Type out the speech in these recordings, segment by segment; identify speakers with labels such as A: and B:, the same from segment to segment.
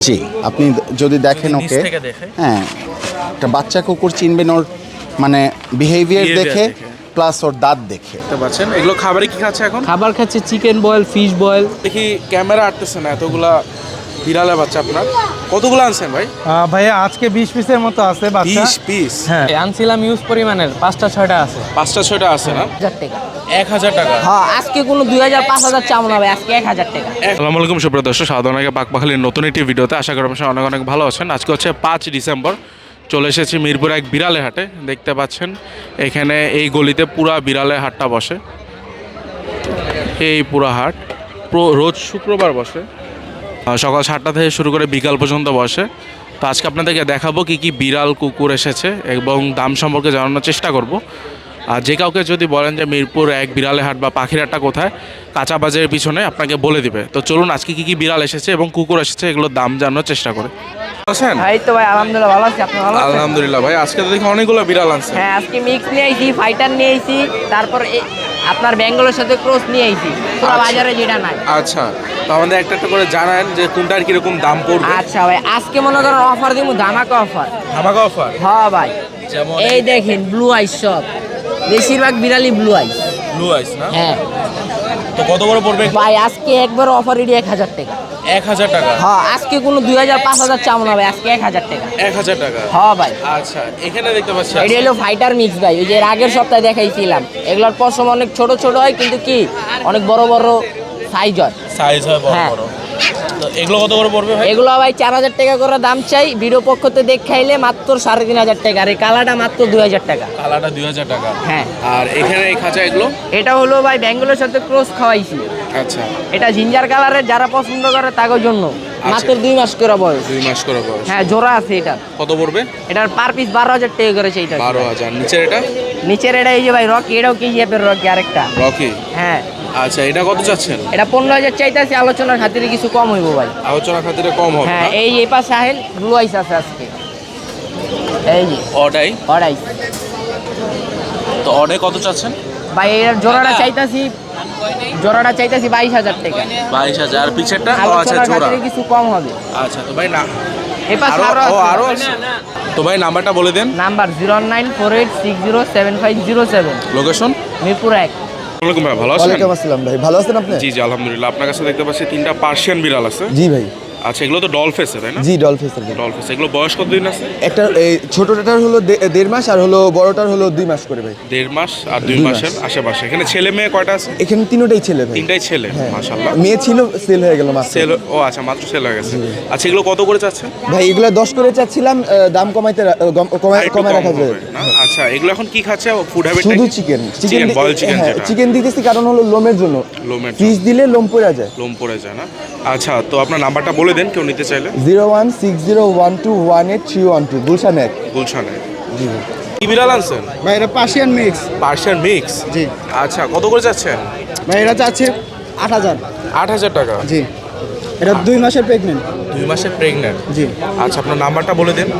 A: জি, আপনি যদি দেখেন ওকে, হ্যাঁ, একটা বাচ্চা কুকুর চিনবেন ওর মানে বিহেভিয়ার দেখে, প্লাস ওর দাঁত দেখে।
B: দেখতে পাচ্ছেন এগুলো খাবারে কি খাচ্ছে এখন?
C: খাবার খাচ্ছে চিকেন বয়েল, ফিশ বয়েল।
B: দেখি ক্যামেরা আটতেছে না, এতগুলা বিড়ালের বাচ্চা আপনার কতগুলো আনছেন ভাই?
D: ভাইয়া আজকে 20 পিসের মতো আছে বাচ্চা।
B: 20 পিস?
D: হ্যাঁ,
C: আনছিলাম ইউজ পরিমাণের 5টা 6টা আছে।
B: 5টা 6টা আছে না?
E: 1000 টাকা।
B: 1000 টাকা?
E: হ্যাঁ, আজকে কোনো 2000 5000 চাও না ভাই, আজকে 1000 টাকা।
B: আসসালামু আলাইকুম সুপ্রিয় দর্শক, সাধারণত পাকপাখালির নতুন একটি ভিডিওতে আশা করি আপনারা অনেক অনেক ভালো আছেন। আজকে হচ্ছে 5 ডিসেম্বর, চলে এসেছি মিরপুর এক বিড়ালের হাটে। দেখতে পাচ্ছেন এখানে এই গলিতে পুরা বিড়ালের হাটটা বসে। এই পুরা হাট রোজ শুক্রবার বসে, সকাল 7টা থেকে শুরু করে বিকাল পর্যন্ত বসে। তো আজকে আপনাদেরকে দেখাবো কি কি বিড়াল কুকুর এসেছে এবং দাম সম্পর্কে জানানোর চেষ্টা করব। আর যে কাউকে যদি বলেন যে মিরপুর এক বিড়ালের হাট বা পাখির হাটটা কোথায়, কাঁচা বাজারের পিছনে, আপনাকে বলে দিবে। তো চলুন আজকে কি কি বিড়াল এসেছে এবং কুকুর এসেছে এগুলোর দাম জানানোর চেষ্টা করে। আছেন?
E: ভাই তো ভাই আলহামদুলিল্লাহ ভালো আছি, আপনি ভালো আছেন?
B: আলহামদুলিল্লাহ ভাই, আজকে তো দেখি অনেকগুলো বিড়াল আনছে।
E: হ্যাঁ, আজকে মিক্স নিয়ে আইছি, ফাইটার নিয়ে আইছি, তারপর আপনার বেঙ্গলের সাথে ক্রস নিয়ে আইছি, পুরো বাজারে যেটা নাই।
B: আচ্ছা, তো আমাদের একটা একটা করে জানান যে কোনটার কিরকম দাম পড়বে।
E: আচ্ছা ভাই, আজকে মনে করেন অফার দিব, ধামাকা অফার।
B: ধামাকা অফার?
E: হ্যাঁ ভাই,
B: যেমন
E: এই দেখেন ব্লু আইস, সব বেশিরভাগ বিড়ালি ব্লু আইস।
B: ব্লু আইস না?
E: হ্যাঁ
B: তো কত করে পড়বে?
E: ভাই আজকে একবার অফার এটি 1000 টাকা।
B: 1000 টাকা?
E: হ্যাঁ, আজকে কোনো 2000 5000 চাও না ভাই, আজকে 1000 টাকা।
B: 1000 টাকা?
E: হ্যাঁ ভাই।
B: আচ্ছা, এখানে দেখতে পাচ্ছি
E: এটি হলো ফাইটার মিক্স ভাই, ওই যে এর আগের সপ্তাহে দেখাইছিলাম। এগুলোর পশম অনেক ছোট ছোট হয়, কিন্তু কি অনেক বড় বড় সাইজ হয়।
B: সাইজ হয় বড়
E: হ্যাঁ।
B: বড়। তো এগুলো কত করে পড়বে ভাই?
E: এগুলো ভাই 4000 টাকা করে দাম চাই, ভিডিও পক্ষতে দেখাইলে মাত্র 3500 টাকা। আর এই কালারটা মাত্র 2000 টাকা।
B: কালারটা 2000 টাকা?
E: হ্যাঁ।
B: আর এখানে এই খাঁচা এগুলো?
E: এটা হলো ভাই বেঙ্গলের সাথে ক্রস খাওয়াইছি।
B: আচ্ছা।
E: এটা জিঞ্জার কালারের, যারা পছন্দ করে তাদের জন্য। মাত্র 2 মাস করে বয়স।
B: 2 মাস করে বয়স?
E: হ্যাঁ, জোড়া আছে এটা।
B: কত পড়বে?
E: এটার পার পিস 12000 টাকা করেছে এটা।
B: 12000? নিচের এটা?
E: নিচের এটা এই যে ভাই রকি, এটাও কেজি অ্যাপের রকি আরেকটা।
B: রকি?
E: হ্যাঁ।
B: আচ্ছা, এটা কত চাচ্ছেন?
E: এটা 15000 চাইতেছি, আলোচনার খাতিরে কিছু কম হইব ভাই।
B: আলোচনা খাতিরে কম হবে
E: হ্যাঁ,
B: না?
E: এই পাশে সাহেল ব্লু আইস আছে আজকে। এই যে
B: অডাই?
E: অড়াই।
B: তো অডাই কত চাচ্ছেন?
E: ভাই এর জোড়াটা চাইতাছি 22000 টাকা।
B: 22000? আর পিছেরটা? ও আচ্ছা,
E: আলোচনার
B: জোড়া।
E: খাতিরে কিছু কম হবে।
B: আচ্ছা, তো ভাই না
E: এই পাশে
B: আরো আছে? তো ভাই নাম্বারটা বলে দেন।
E: Number 09486075507,
B: location?
E: মিরপুর 1।
B: ওয়ালাইকুম ভাই, ভালো আছেন?
A: ওয়ালাইকুম আসসালাম ভাই, ভালো আছেন আপনি?
B: জি জি আলহামদুলিল্লাহ। আপনার কাছে দেখতে পাচ্ছি 3টা পার্সিয়ান বিড়াল আছে।
A: জি ভাই।
B: আচ্ছা, এগুলো তো ডলফেসে তাই না?
A: জি, ডলফিসের ভাই।
B: ডলফেস। এগুলো বয়স কতদিন আছে?
A: একটা এই ছোটটার হলো 1.5 মাস, আর হলো বড়টার হলো 2 মাস করে ভাই।
B: 1.5 মাস আর 2
A: 2
B: মাসের আশেপাশে। এখানে ছেলে মেয়ে কয়টা আছে?
A: এখানে তিনটাই ছেলে ভাই।
B: 3টাই ছেলে?
A: হ্যাঁ।
B: মাশাআল্লাহ।
A: মেয়ে ছিল, সেল হয়ে গেল মাত্র।
B: সেল? ও আচ্ছা, মাত্র সেল হয়ে গেছে। আচ্ছা, এগুলো কত করে চাচ্ছে?
A: ভাই এগুলা 10 করে চাচ্ছিলাম, দাম কমাইতে কমায়
B: একটু
A: কমায়
B: কম
A: রাখা যায়
B: হবে না? আচ্ছা, এগুলো এখন কি খাচ্ছে? Food habit?
A: শুধু চিকেন।
B: চিকেন, বয়েল চিকেন
A: হ্যাঁ,
B: যেটা।
A: চিকেন দিতেছি কারণ হলো লোমের জন্য।
B: লোমের
A: ফিশ দিলে লোম পড়ে যায়।
B: লোম পড়ে যায় না? আচ্ছা, তো আপনার নাম্বারটা বলে দেন কেউ নিতে চাইলে।
A: 01601218312 গুলশান 1।
B: গুলশানে?
A: জি ভাই।
B: কি বিড়াল আনছেন?
D: ভাই এটা পার্সিয়ান মিক্স।
B: Persian mix?
D: জি
B: আচ্ছা, কত করে যাচ্ছেন?
D: ভাই এটা চাচ্ছে 8000।
B: 8000 টাকা?
D: জি, এটা 2 মাসের প্রেগনেন্ট।
B: 2 মাসের প্রেগনেন্ট?
D: জি।
B: আচ্ছা, আপনার নাম্বারটা বলে দিন।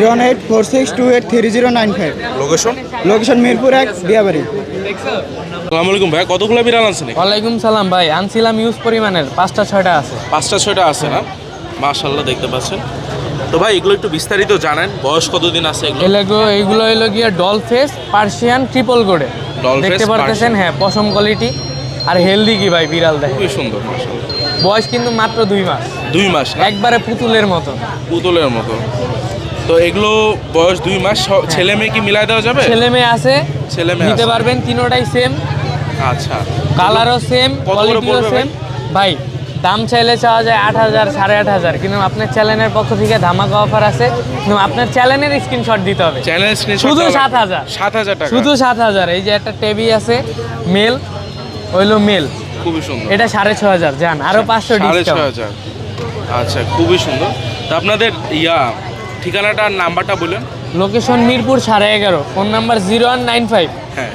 D: 01846283095।
B: লোকেশন?
D: লোকেশন মিরপুর 1, দিয়াবাড়ি।
B: আসসালামু আলাইকুম ভাই, কতগুলো বিড়াল আনছেন?
C: ওয়ালাইকুম সালাম ভাই, আনছিলাম ইউজ পরিমাণের 5টা 6টা আছে।
B: 5টা 6টা আছে না? মাশাআল্লাহ, দেখতে পাচ্ছেন। তো ভাই এগুলো একটু বিস্তারিত জানেন, বয়স কতদিন আছে এগুলো?
C: এইগুলো হলো গিয়া ডল ফেস পার্সিয়ান ট্রিপল কোডে।
B: ডল ফেস
C: দেখতে পারতেছেন?
B: পার্সিয়ান।
C: হ্যাঁ, পশম কোয়ালিটি আর হেলদি কি ভাই বিড়াল দেখে।
B: খুবই সুন্দর মাশাআল্লাহ।
C: বয়স কিন্তু মাত্র 2 মাস।
B: 2 মাস না?
C: একবারে পুতুলের মতো।
B: পুতুলের মতো। তো এগুলো বয়স 2 মাস, ছেলে মেয়ে কি মিলাই দেওয়া যাবে?
C: ছেলে মেয়ে আছে,
B: ছেলে মেয়ে
C: নিতে
B: আছে।
C: পারবেন, তিনোটাই সেম,
B: আচ্ছা,
C: কালারও সেম,
B: কত করে
C: কোয়ালিটিও
B: পড়বে
C: সেম। ভাই দাম চাইলে চাওয়া যায় 8000 8500, কিন্তু আপনার চ্যানেলের পক্ষ থেকে ধামাকা অফার আছে। কিন্তু আপনার চ্যানেলের স্ক্রিনশট দিতে হবে।
B: Channel screenshot?
C: শুধু 7000।
B: 7000 টাকা?
C: শুধু 7000। এই যে একটা টেবি আছে মেল, হইলো মেল,
B: খুবই সুন্দর।
C: এটা 6500। যান আরো 500 ডিসকাউন্ট।
B: 6500? আচ্ছা, খুবই সুন্দর। তো আপনাদের ঠিকানাটা আর নাম্বারটা বলেন।
C: লোকেশন মিরপুর 11.5, ফোন নাম্বার 0195
B: হ্যাঁ।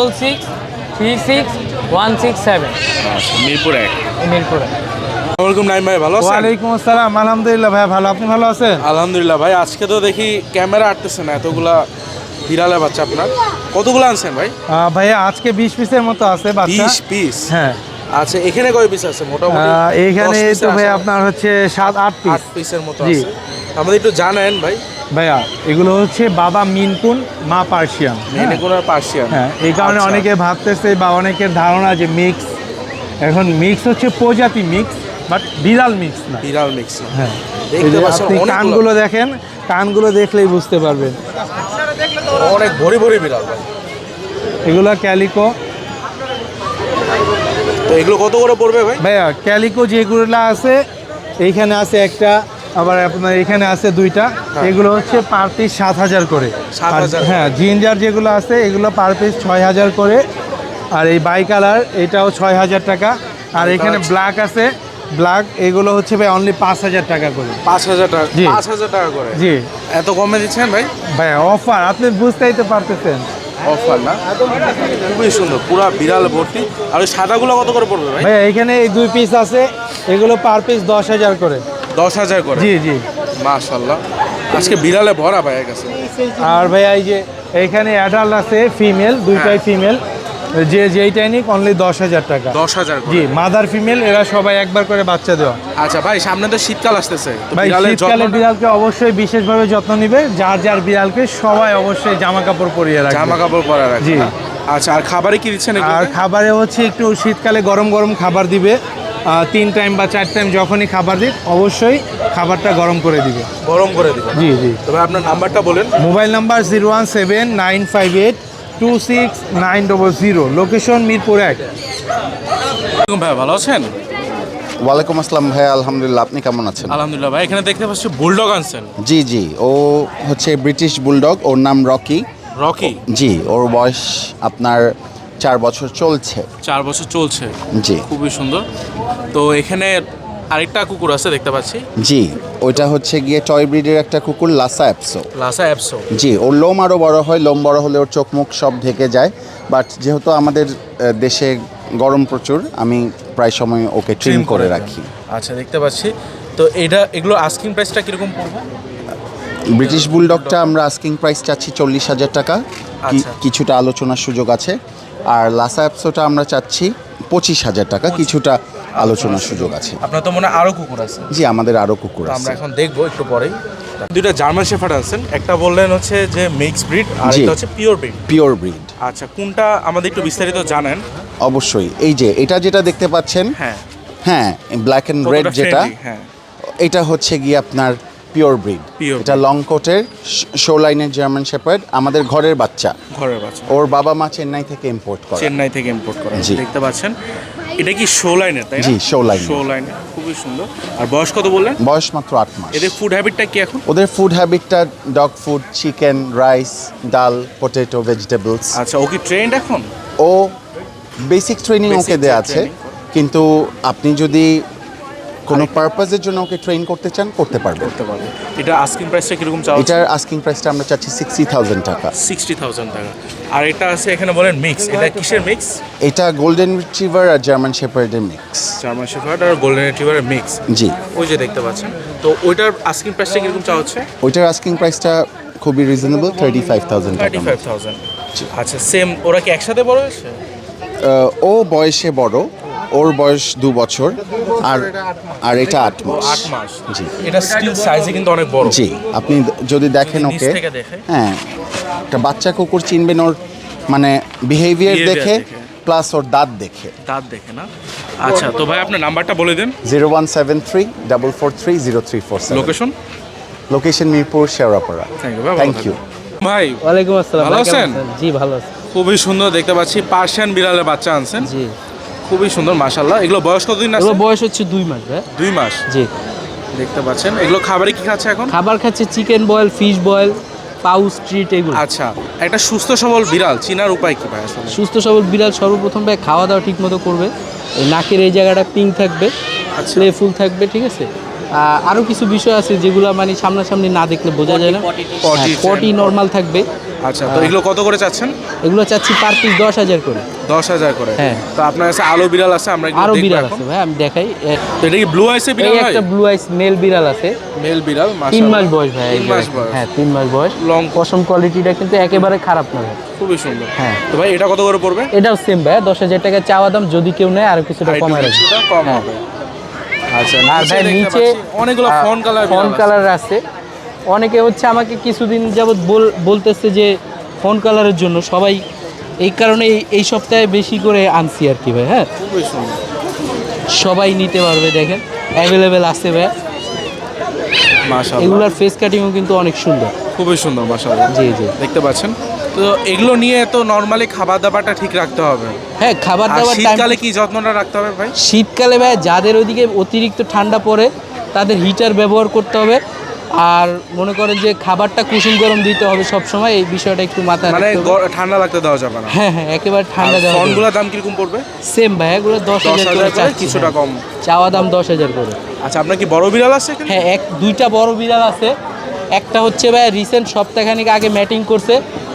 C: 66366167।
B: আচ্ছা, মিরপুর 1।
C: মিরপুরে।
B: ওয়ালাইকুম নাইম ভাই, ভালো আছেন?
D: ওয়ালাইকুম আসসালাম, আলহামদুলিল্লাহ ভাই ভালো, আপনি ভালো আছেন?
B: আলহামদুলিল্লাহ ভাই, আজকে তো দেখি ক্যামেরা আটতেছে না, এতগুলা বিড়ালের বাচ্চা আপনার কতগুলো আনছেন ভাই?
D: ভাইয়া আজকে 20 পিসের মতো আছে বাচ্চা।
B: 20 পিস?
D: হ্যাঁ।
B: আচ্ছা, এখানে কয় পিস আছে মোটামুটি?
D: এইখানে
B: 10
D: তো
B: পিসের
D: ভাই
B: আশা-
D: আপনার হচ্ছে 7-8 পিস
B: 8 পিসের মতো
D: জি।
B: আছে। আমাদের একটু জানেন ভাই,
D: ভাইয়া এগুলো হচ্ছে বাবা মিনকুন মা পার্সিয়ান।
B: মেনিকুন আর পার্সিয়ান।
D: হ্যাঁ, এই কারণে
B: আচ্ছা।
D: অনেকে ভাবতেছে বা অনেকের ধারণা যে মিক্স, এখন মিক্স হচ্ছে প্রজাতি মিক্স, বাট বিড়াল মিক্স না।
B: বিড়াল মিক্স।
D: হ্যাঁ, এই
B: দেখতে
D: যে
B: পাচ্ছেন
D: আপনি
B: অনেকগুলো।
D: কানগুলো দেখেন, কানগুলো দেখলেই বুঝতে পারবেন।
B: অনেক ভরি ভরি বিড়াল ভাই।
D: এগুলো ক্যালিকো।
B: তো এগুলো কত করে পড়বে ভাই?
D: ভাইয়া ক্যালিকো যেগুলো আছে এইখানে আছে একটা, আবার আপনার এখানে আছে দুইটা। এগুলো হচ্ছে পার পিস 7,000 করে।
B: 7,000
D: আর হ্যাঁ, জিঞ্জার যেগুলো আছে এগুলো পার পিস 6,000 করে। আর এই বাই কালার এটাও 6,000 টাকা। আর এখানে ব্ল্যাক আছে, ব্ল্যাক এগুলো হচ্ছে ভাই অনলি 5,000 টাকা করে।
B: 5,000 টাকা।
D: জি।
B: 5,000 টাকা করে?
D: জি
B: এত কমে দিচ্ছেন ভাই?
D: ভাইয়া অফার, আপনি বুঝতেই তো পারতেছেন।
B: অফার না? খুবই সুন্দর, পুরা বিড়াল ভর্তি। আর ওই সাদাগুলো কত করে পড়বে ভাই?
D: ভাইয়া এখানে এই 2 পিস আছে, এগুলো পার পিস 10,000 করে।
B: 10,000 করে?
D: জি জি।
B: মাশাআল্লাহ, আজকে বিড়ালে ভরা ভাইয়ের কাছে।
D: আর ভাইয়া এই যে এইখানে অ্যাডাল্ট আছে ফিমেল, দুইটাই ফিমেল, যেইটাই নিক অনলি 10,000 টাকা।
B: 10,000 করে?
D: জি, মাদার ফিমেল এরা সবাই একবার করে বাচ্চা দেওয়া।
B: আচ্ছা ভাই, সামনে তো শীতকাল আসতেছে, তো
D: ভাই
B: বিড়ালের
D: শীতকালে
B: যত্নটা-
D: বিড়ালকে অবশ্যই বিশেষভাবে যত্ন নিবে, যার যার বিড়ালকে সবাই অবশ্যই জামা কাপড় পরিয়ে রাখবে।
B: জামা কাপড় পরা রাখবে।
D: জি।
B: আচ্ছা, আর খাবারে কি দিচ্ছেন
D: আর
B: এগুলোতে?
D: খাবারে হচ্ছে একটু শীতকালে গরম গরম খাবার দিবে, 3 টাইম বা 4 টাইম যখনই খাবার দিক অবশ্যই খাবারটা গরম করে দিবে।
B: গরম করে দিবেন?
D: জি জি।
B: তবে আপনার নাম্বারটা বলেন।
D: Mobile number 01795826900, location Mirpur 1।
B: ভাই ভালো আছেন?
A: ওয়ালাইকুম আসসালাম ভাই, আলহামদুলিল্লাহ। আপনি কেমন আছেন?
B: আলহামদুলিল্লাহ ভাই। এখানে দেখতে পাচ্ছি বুলডগ আনছেন।
A: জি জি, ও হচ্ছে ব্রিটিশ বুলডগ, ওর নাম রকি।
B: রকি?
A: জি, ওর বয়স আপনার 4 বছর চলছে।
B: 4 বছর চলছে?
A: জি
B: খুবই সুন্দর। তো এখানে আরেকটা কুকুর আছে দেখতে পাচ্ছি।
A: জি, ওইটা হচ্ছে গিয়ে টয় ব্রিডের একটা কুকুর, লাসা অ্যাপসো।
B: লাসা অ্যাপসো?
A: জি, ওর লোম আরও বড় হয়, লোম বড় হলে ওর চোখ মুখ সব ঢেকে যায়। বাট যেহেতু আমাদের দেশে গরম প্রচুর, আমি প্রায় সময় ওকে ট্রিম করে রাখি।
B: আচ্ছা, দেখতে পাচ্ছি। তো এগুলো আস্কিং প্রাইসটা কিরকম পড়বে?
A: ব্রিটিশ বুলডগটা আমরা আস্কিং প্রাইস চাচ্ছি 40,000 টাকা,
B: আচ্ছা।
A: কিছুটা আলোচনার সুযোগ আছে। আর লাসা অ্যাপসোটা আমরা চাচ্ছি 25,000 টাকা, কিছুটা আলোচনার সুযোগ আছে।
B: আপনার তো মনে হয় আরও কুকুর আছে?
A: জি, আমাদের আরও কুকুর
B: তো আমরা
A: আছে।
B: এখন দেখবো একটু পরেই। দুইটা জার্মান শেফার্ড আছেন, একটা বললেন হচ্ছে যে মিক্স ব্রিড, আর
A: জি।
B: একটা হচ্ছে পিওর ব্রিড।
A: Pure breed.
B: আচ্ছা, কোনটা আমাদের একটু বিস্তারিত জানেন?
A: অবশ্যই, এই যে এটা যেটা দেখতে পাচ্ছেন,
B: হ্যাঁ।
A: হ্যাঁ, ব্ল্যাক অ্যান্ড রেড
B: কতটা
A: যেটা,
B: friendly, হ্যাঁ।
A: এটা হচ্ছে গিয়ে আপনার পিওর ব্রিড।
B: Pure
A: এটা লং কোটের শো লাইনের জার্মান শেপার্ড, আমাদের ঘরের বাচ্চা।
B: ঘরের বাচ্চা?
A: ওর বাবা মা চেন্নাই থেকে ইম্পোর্ট করে।
B: চেন্নাই থেকে ইম্পোর্ট করা।
A: জি।
B: দেখতে পাচ্ছেন, এটা কি শো লাইনের, তাই না?
A: জি, show line-এর।
B: শো লাইনের, খুবই সুন্দর। আর বয়স কত বললেন?
A: বয়স মাত্র 8 মাস।
B: এদের ফুড হ্যাবিটটা কি এখন?
A: ওদের ফুড হ্যাবিটটা dog food, chicken, rice, dal, potato, vegetables.
B: আচ্ছা, ও কি ট্রেন্ড এখন?
A: ও বেসিক ট্রেনিং
B: Basic
A: ওকে দেওয়া আছে,
B: training
A: কিন্তু আপনি যদি কোনো পারপাসের জন্য ওকে ট্রেন করতে চান, করতে পারবেন।
B: করতে পারবে। এটা আস্কিং প্রাইসটা কিরকম চাওয়া?
A: এটার আস্কিং প্রাইসটা আমরা চাচ্ছি 60,000 টাকা।
B: 60,000 টাকা। আর এটা আছে এখানে বলেন মিক্স, এটা কিসের মিক্স?
A: এটা গোল্ডেন রিট্রিভার আর জার্মান শেপার্ডের মিক্স।
B: জার্মান শেফার্ড আর গোল্ডেন রিট্রিভারের মিক্স।
A: জি,
B: ওই যে দেখতে পাচ্ছেন। তো ওইটার আস্কিং প্রাইসটা কিরকম চাওয়া হচ্ছে?
A: ওইটার আস্কিং প্রাইসটা খুবই রিজনেবল, 35,000 টাকা।
B: 35,000। আচ্ছা, সেম ওরা কি একসাথে বড় হয়েছে?
A: ও বয়সে বড়, ওর বয়স 2 বছর, আর এটা 8 মাস।
B: 8 মাস?
A: জি
B: এটা স্টিল সাইজে কিন্তু অনেক বড়।
A: জি, আপনি যদি দেখেন
B: যদি নিচ
A: ওকে,
B: থেকে দেখে।
A: হ্যাঁ, একটা বাচ্চা কুকুর চিনবেন ওর মানে বিহেভিয়ার
B: Behavior
A: দেখে,
B: দেখে।
A: প্লাস ওর দাঁত দেখে।
B: দাঁত দেখে না? আচ্ছা, তো ভাই আপনার নাম্বারটা বলে দেন।
A: 0173-443-0347।
B: Location?
A: Location Mirpur, Shewrapara.
B: Thank you ভাই।
A: Thank you.
B: ভাই
C: ওয়ালাইকুম আসসালাম।
B: ভালো
C: ভাই, কেমন
B: আছেন?
C: জি ভালো আছি।
B: খুবই সুন্দর দেখতে পাচ্ছি, পার্সিয়ান বিড়ালের বাচ্চা আনছেন।
C: জি,
B: খুবই সুন্দর মাশাআল্লাহ। এগুলো বয়স কতদিন আছে?
C: এগুলো বয়স হচ্ছে 2 মাস ভাই।
B: 2 মাস?
C: জি।
B: দেখতে পাচ্ছেন, এগুলো খাবারে কি খাচ্ছে এখন?
C: খাবার খাচ্ছে chicken boil, fish boil, pouch treat এগুলো।
B: আচ্ছা, একটা সুস্থ সবল বিড়াল চিনার উপায় কি ভাই আসলে?
C: সুস্থ সবল বিড়াল সর্বপ্রথম ভাই খাওয়া দাওয়া ঠিক মতো করবে, এই নাকের এই জায়গাটা পিঙ্ক থাকবে,
B: আচ্ছা।
C: প্লেফুল থাকবে, ঠিক আছে।
F: আরও কিছু বিষয় আছে যেগুলো মানে সামনাসামনি না দেখলে বোঝা যায় না।
B: পটি
F: পটি নর্মাল থাকবে।
B: আচ্ছা, তো এগুলো কত করে চাচ্ছেন?
F: এগুলো চাচ্ছি পার পিস 10,000 করে।
B: 10,000 করে।
F: হ্যাঁ।
B: তো আপনার কাছে আলো বিড়াল আছে, আমরা এগুলো
F: আরও
B: দেখবো
F: বিড়াল
B: এখন।
F: আছে ভাই, আমি দেখাই।
B: তো এটা কি ব্লু আইসে বিড়াল
F: এই
B: ভাই?
F: একটা ব্লু আইস মেল বিড়াল আছে,
B: মেল বিড়াল,
F: 3
B: মাশাআল্লাহ।
F: মাস বয়স ভাই।
B: 3 মাস বয়স।
F: হ্যাঁ 3 মাস বয়স।
B: লং
F: পশম কোয়ালিটিটা কিন্তু একেবারে খারাপ না ভাই।
B: খুবই সুন্দর।
F: হ্যাঁ।
B: তো ভাই এটা কত করে পড়বে?
F: এটাও সেম ভাই, 10,000 টাকা চাওয়া দাম, যদি কেউ নেয় আরো কিছুটা
B: আরেকটু
F: কমায় রাখবে।
B: কিছুটা কম
F: হ্যাঁ।
B: হবে। আচ্ছা,
F: আর ভাই
B: দেখতে
F: নিচে
B: পাচ্ছি অনেকগুলো ফন কালার
F: ফোন কালার আছে। অনেকে হচ্ছে আমাকে কিছুদিন যাবত বলতেছে যে ফোন কালারের জন্য, সবাই এই কারণে এই সপ্তাহে বেশি করে আনছি আর কি ভাই। হ্যাঁ,
B: খুবই সুন্দর।
F: সবাই নিতে পারবে, দেখেন অ্যাভেলেবেল আছে ভাই।
B: মাশাআল্লাহ,
F: এগুলার ফেস কাটিংও কিন্তু অনেক সুন্দর।
B: খুবই সুন্দর মাশাআল্লাহ।
F: জি জি।
B: দেখতে পাচ্ছেন। তো এগুলো নিয়ে তো নরমালি খাবার দাবারটা ঠিক রাখতে হবে।
F: হ্যাঁ, খাবার
B: আর
F: দাবার টাইম।
B: শীতকালে কি যত্নটা রাখতে হবে ভাই?
F: শীতকালে ভাই যাদের ওইদিকে অতিরিক্ত ঠান্ডা পড়ে তাদের হিটার ব্যবহার করতে হবে। আর মনে করেন যে খাবারটা কুসুম গরম দিতে হবে সব সময়, এই বিষয়টা একটু মাথায়
B: মানে
F: রাখতে হবে।
B: ঠান্ডা লাগতে দেওয়া যাবে না।
F: হ্যাঁ হ্যাঁ, একেবারে ঠান্ডা দেওয়া যাবে না।
B: ফোনগুলোর দাম কিরকম পড়বে?
F: সেম ভাই, এগুলো 10,000 করে
B: 10,000 করে,
F: চাচ্ছি,
B: কিছুটা
F: হ্যাঁ।
B: কম।
F: চাওয়া দাম 10,000 করে।
B: আচ্ছা, আপনার কি বড় বিড়াল আছে এখানে?
F: হ্যাঁ, দুইটা বড় বিড়াল আছে। একটা হচ্ছে ভাই রিসেন্ট সপ্তাহখানিক আগে ম্যাটিং করছে।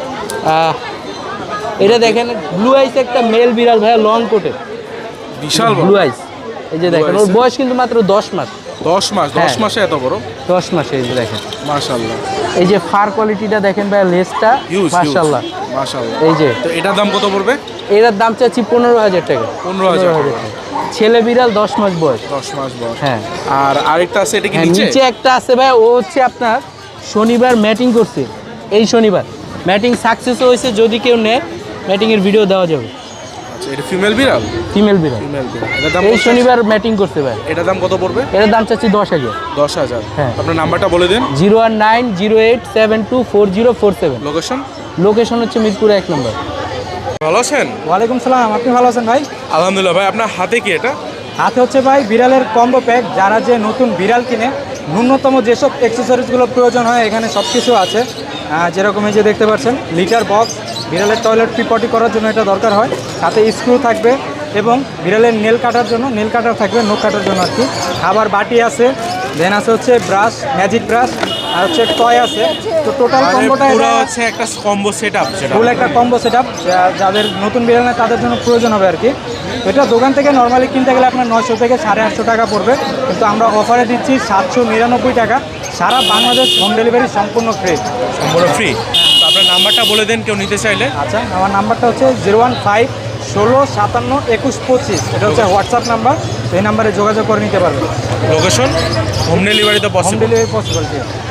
F: এটা দেখেন ব্লু আইস একটা মেল বিড়াল ভাই, লং কোটের
B: বিশাল বড়।
F: Blue eyes. এই যে দেখেন, ওর বয়স কিন্তু মাত্র 10 মাস।
B: 10 মাস? 10
F: হ্যাঁ।
B: মাসে এত বড়?
F: 10 মাসে। এই যে দেখেন,
B: মাশাআল্লাহ,
F: এই যে ফার কোয়ালিটিটা দেখেন ভাই, লেজটা
B: হিউজ
F: মাশাআল্লাহ।
B: মাশাআল্লাহ।
F: এই যে
B: তো এটার দাম কত পড়বে?
F: এটার দাম চাচ্ছি 15,000 টাকা।
B: 15,000 টাকা।
F: ছেলে বিড়াল 10 মাস বয়স।
B: 10 মাস বয়স।
F: হ্যাঁ।
B: আর আরেকটা আছে, এটা কি
F: হ্যাঁ,
B: নিচে?
F: নিচে একটা আছে ভাই, ও হচ্ছে আপনার শনিবার ম্যাটিং করছে। এই শনিবার ম্যাটিং সাকসেস হয়েছে, যদি কেউ নেয় ম্যাটিংয়ের ভিডিও দেওয়া যাবে।
B: আচ্ছা, এটা ফিমেল বিড়াল?
F: ফিমেল বিড়াল
B: ফিমেল বিড়াল। এটার দাম
F: এই
B: কত?
F: শনিবার ম্যাটিং করতে ভাই।
B: এটার দাম কত পড়বে?
F: এটার দাম চাচ্ছি 10,000।
B: 10,000।
F: হ্যাঁ।
B: আপনার নাম্বারটা বলে দিন।
F: 01908724047।
B: লোকেশন?
F: লোকেশন হচ্ছে মিরপুর 1 নম্বর।
B: ভালো আছেন?
D: ওয়ালাইকুম সালাম, আপনি ভালো আছেন ভাই?
B: আলহামদুলিল্লাহ। ভাই আপনার হাতে কি এটা?
D: হাতে হচ্ছে ভাই বিড়ালের কম্বো প্যাক। যারা যে নতুন বিড়াল কিনে ন্যূনতম যেসব অ্যাক্সেসরিজগুলো প্রয়োজন হয় এখানে সব কিছু আছে। যেরকম এই যে দেখতে পাচ্ছেন লিটার বক্স, বিড়ালের টয়লেট পটি করার জন্য এটা দরকার হয়, সাথে স্ক্রু থাকবে এবং বিড়ালের নেল কাটার জন্য নেল কাটার থাকবে, নখ কাটার জন্য আর কি। খাবার বাটি আছে, দেন আছে হচ্ছে ব্রাশ, ম্যাজিক ব্রাশ, আর হচ্ছে টয় আছে। তো টোটাল কম্বোটা
B: পুরো হচ্ছে একটা কম্বো সেটআপ, সেটা
D: ফুল একটা কম্বো সেটআপ। যাদের নতুন বিড়াল নেয় তাদের জন্য প্রয়োজন হবে আর কি। তো এটা দোকান থেকে নর্মালি কিনতে গেলে আপনার 900 থেকে 850 টাকা পড়বে, কিন্তু আমরা অফারে দিচ্ছি 799 টাকা। সারা বাংলাদেশ হোম ডেলিভারি সম্পূর্ণ ফ্রি।
B: সম্পূর্ণ ফ্রি। তো আপনার নাম্বারটা বলে দেন কেউ নিতে চাইলে।
D: আচ্ছা, আমার নাম্বারটা হচ্ছে 015-16-57-21-25। এটা হচ্ছে হোয়াটসঅ্যাপ নাম্বার, এই নাম্বারে যোগাযোগ করে নিতে পারবেন।
B: লোকেশন? হোম ডেলিভারি তো
D: হোম
B: পসিবল।
D: Delivery possible.